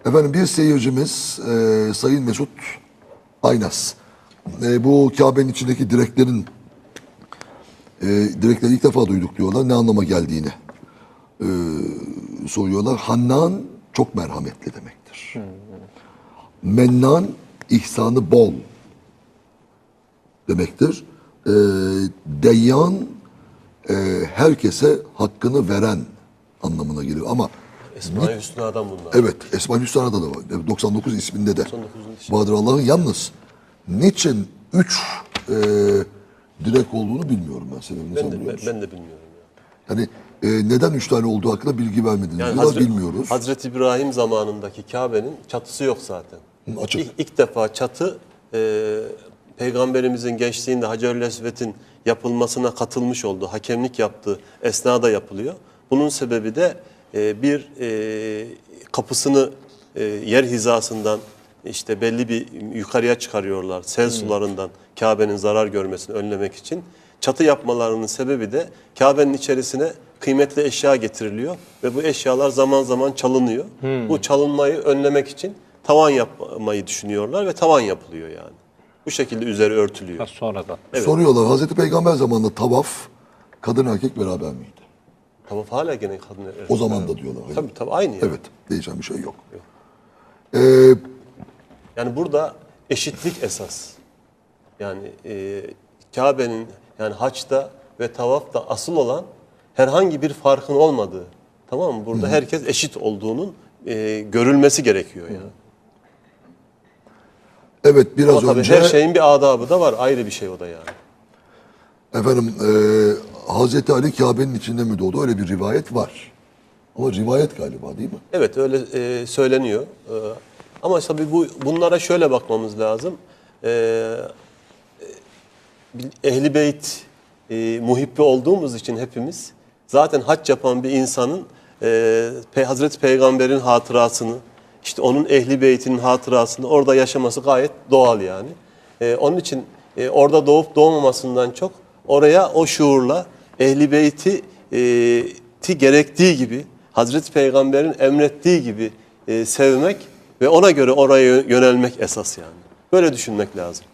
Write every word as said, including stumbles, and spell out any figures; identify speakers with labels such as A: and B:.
A: Efendim bir seyircimiz e, Sayın Mesut Aynas. E, bu Kabe'nin içindeki direklerin e, direkleri ilk defa duyduk diyorlar. Ne anlama geldiğini e, soruyorlar. Hannan çok merhametli demektir. Mennan ihsanı bol demektir. E, Deyyan e, herkese hakkını veren anlamına geliyor. Ama
B: Esma-i Hüsna'dan bunlar.
A: evet, Esma-i Hüsna'da da var. doksan dokuz isminde de.
B: doksan dokuzun içinde.
A: Bahadır Allah'ın yalnız niçin üç e, direk olduğunu bilmiyorum ben. Sebebini
B: Ben
A: sen
B: de,
A: biliyor
B: ben,
A: musun?
B: ben de bilmiyorum. Ya.
A: Yani e, neden üç tane olduğu hakkında bilgi vermediniz.
B: Yani
A: Diyorlar,
B: Hazreti,
A: bilmiyoruz.
B: Hazreti İbrahim zamanındaki Kabe'nin çatısı yok zaten.
A: Hı, açık.
B: İlk, ilk defa çatı e, Peygamberimizin gençliğinde Hacer-ül Esved'in yapılmasına katılmış olduğu, hakemlik yaptığı esnada yapılıyor. Bunun sebebi de e, bir e, kapısını e, yer hizasından işte belli bir yukarıya çıkarıyorlar. Sel sularından Kabe'nin zarar görmesini önlemek için. Çatı yapmalarının sebebi de Kabe'nin içerisine kıymetli eşya getiriliyor ve bu eşyalar zaman zaman çalınıyor. Hmm. Bu çalınmayı önlemek için tavan yapmayı düşünüyorlar ve tavan yapılıyor yani. Bu şekilde üzeri örtülüyor.
C: Ha, sonradan.
B: Evet.
A: Soruyorlar Hazreti Peygamber zamanında tavaf kadın erkek beraber miydi?
B: Tamam, hala gene kadın.
A: O zaman da diyorlar.
B: Tabii tabii aynı. Yani.
A: Evet, değişen bir şey yok.
B: Yok.
A: Ee,
B: Yani burada eşitlik esas. Yani e, Kabe'nin yani haçta ve tavafta asıl olan herhangi bir farkın olmadığı. Tamam mı? Burada herkes eşit olduğunun e, görülmesi gerekiyor yani.
A: evet, biraz
B: Ama tabii
A: önce
B: her şeyin bir adabı da var. Ayrı bir şey o da yani.
A: efendim e, Hazreti Ali Kabe'nin içinde mi doğdu? Öyle bir rivayet var. Ama rivayet galiba değil mi?
B: Evet, öyle e, söyleniyor. E, ama tabii bu bunlara şöyle bakmamız lazım. E, e, Ehl-i Beyt e, muhibbi olduğumuz için hepimiz zaten hac yapan bir insanın e, Pe Hazreti Peygamber'in hatırasını, işte onun Ehl-i Beyt'inin hatırasını orada yaşaması gayet doğal yani. E, onun için e, orada doğup doğmamasından çok oraya o şuurla Ehl-i Beyt'i e, ti gerektiği gibi, Hazreti Peygamber'in emrettiği gibi e, sevmek ve ona göre oraya yönelmek esas yani. Böyle düşünmek lazım.